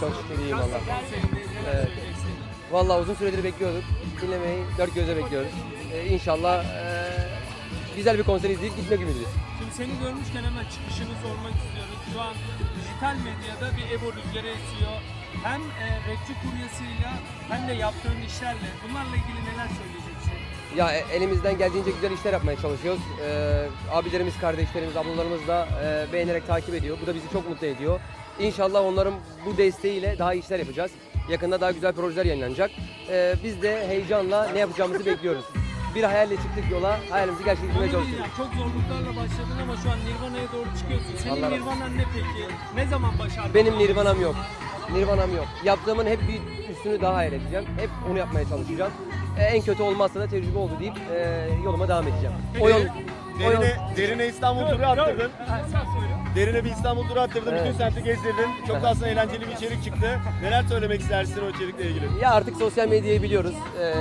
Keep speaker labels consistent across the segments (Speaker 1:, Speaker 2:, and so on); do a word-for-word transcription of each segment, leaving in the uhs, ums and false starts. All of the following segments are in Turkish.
Speaker 1: Çok şükür iyiyim
Speaker 2: Kasa
Speaker 1: valla.
Speaker 2: konserinde neler
Speaker 1: Evet.
Speaker 2: söyleyeceksin?
Speaker 1: Valla uzun süredir bekliyorduk. Dinlemeyi dört gözle bekliyoruz. Ee, inşallah ee, güzel bir konser izleyip gitmek ümidiyiz.
Speaker 2: Şimdi seni görmüşken hemen çıkışını sormak istiyoruz. Şu an dijital medyada bir Ebo rüzgarı esiyor. Hem e, rapçi kuryasıyla hem de yaptığın işlerle. Bunlarla ilgili neler söyleyeceksin?
Speaker 1: Ya e, elimizden geldiğince güzel işler yapmaya çalışıyoruz. Ee, abilerimiz, kardeşlerimiz, ablalarımız da e, beğenerek takip ediyor. Bu da bizi çok mutlu ediyor. İnşallah onların bu desteğiyle daha iyi işler yapacağız. Yakında daha güzel projeler yayınlanacak. Ee, biz de heyecanla ne yapacağımızı bekliyoruz. Bir hayalle çıktık yola, hayalimizi gerçekleştirmeye
Speaker 2: Onu
Speaker 1: çalışıyoruz.
Speaker 2: diyeceğim. Çok zorluklarla başladın ama şu an Nirvana'ya doğru çıkıyorsun. Senin
Speaker 1: Allah razı olsun.
Speaker 2: Nirvanan ne peki? Ne zaman başardın?
Speaker 1: Benim Nirvana'm yok. Nirvana'm yok. Yaptığımın hep bir üstünü daha hayal edeceğim. Hep onu yapmaya çalışacağım. Ee, en kötü olmazsa da tecrübe oldu deyip e, yoluma devam edeceğim. O yol, o yol
Speaker 3: Derine, derine İstanbul turu attırdın.
Speaker 2: Ha, sen söyle.
Speaker 3: Derine bir İstanbul turu attırdın.
Speaker 1: Evet.
Speaker 3: Bütün semti gezdirdin. Çok da aslında eğlenceli bir içerik çıktı. Neler söylemek istersin o içerikle ilgili?
Speaker 1: ya artık sosyal medyayı biliyoruz. Ee,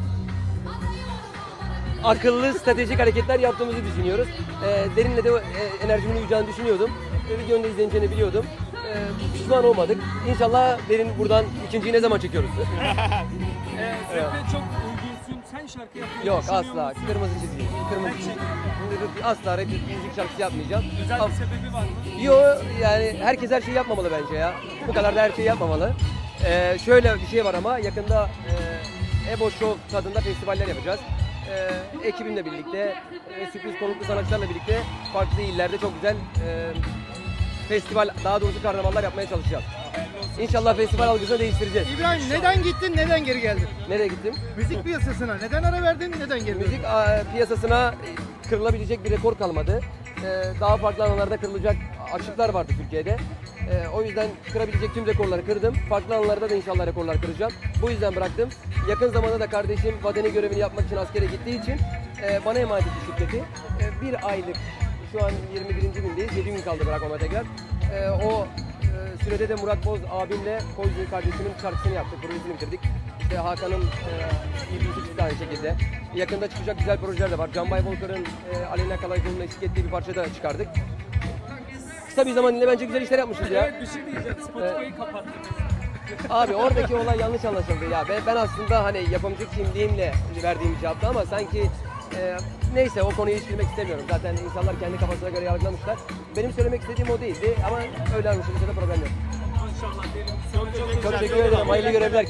Speaker 1: akıllı, stratejik hareketler yaptığımızı düşünüyoruz. Ee, derinle de e, enerjimin uyacağını düşünüyordum. Ve videonun da izleneceğini biliyordum. Ee, pişman olmadık. İnşallah derin buradan ikinciyi ne zaman çekiyoruz?
Speaker 2: Ee, rap'e çok uygunsun. Sen şarkı yapmayı
Speaker 1: Yok
Speaker 2: düşünüyor
Speaker 1: asla.
Speaker 2: musun?
Speaker 1: Kırmızı çizgi. Kırmızı çizgi. Asla rap müzik şarkısı yapmayacağım.
Speaker 2: Özel
Speaker 1: Ama-
Speaker 2: bir sebebi var mı?
Speaker 1: Yo yani herkes her şeyi yapmamalı bence ya. Bu kadar da her şeyi yapmamalı. Ee, şöyle bir şey var ama yakında e, Ebo Show tadında festivaller yapacağız. Ee, ekibimle birlikte, e, sürpriz konuklu sanatçılarla birlikte farklı illerde çok güzel e, festival, daha doğrusu karnavallar yapmaya çalışacağız. İnşallah festival algısını değiştireceğiz.
Speaker 4: İbrahim neden gittin, neden geri geldin?
Speaker 1: Nereye gittim?
Speaker 4: Müzik piyasasına neden ara verdin, neden geri döndün?
Speaker 1: Müzik a, piyasasına e, kırılabilecek bir rekor kalmadı. Ee, daha farklı alanlarda kırılacak açıklar vardı Türkiye'de. Ee, o yüzden kırabilecek tüm rekorları kırdım. Farklı alanlarda da inşallah rekorlar kıracağım. Bu yüzden bıraktım. Yakın zamanda da kardeşim vatani görevini yapmak için askere gittiği için e, bana emanet etti şirketi. E, bir aylık, şu an yirmi birinci gündeyiz. yedi gün kaldı bırakmama tekrar. E, o e, sürede de Murat Boz abimle Koyzu kardeşimin şarkısını yaptık. Projesini bitirdik. İşte Hakan'ın e, ilgisi çıktı aynı şekilde. Yakında çıkacak güzel projeler de var. Canbay Volkar'ın e, Aleyna Kalaycı'nın eşlik ettiği bir parça da çıkardık. Kısa bir zaman ile bence güzel işler yapmışız ya.
Speaker 2: Evet bir şey diyeceğim. Spotify'ı kapattınız.
Speaker 1: Abi oradaki olay yanlış anlaşıldı ya. Ben, ben aslında hani yapımcı kimliğimle verdiğim bir cevaptı ama sanki e, neyse o konuyu hiç bilmek istemiyorum. Zaten insanlar kendi kafasına göre yargılamışlar. Benim söylemek istediğim o değildi ama öyle anlaşılırsa da problem yok.
Speaker 2: İnşallah derim. Çok çok
Speaker 1: Çok teşekkür ederim. Hayırlı görevler.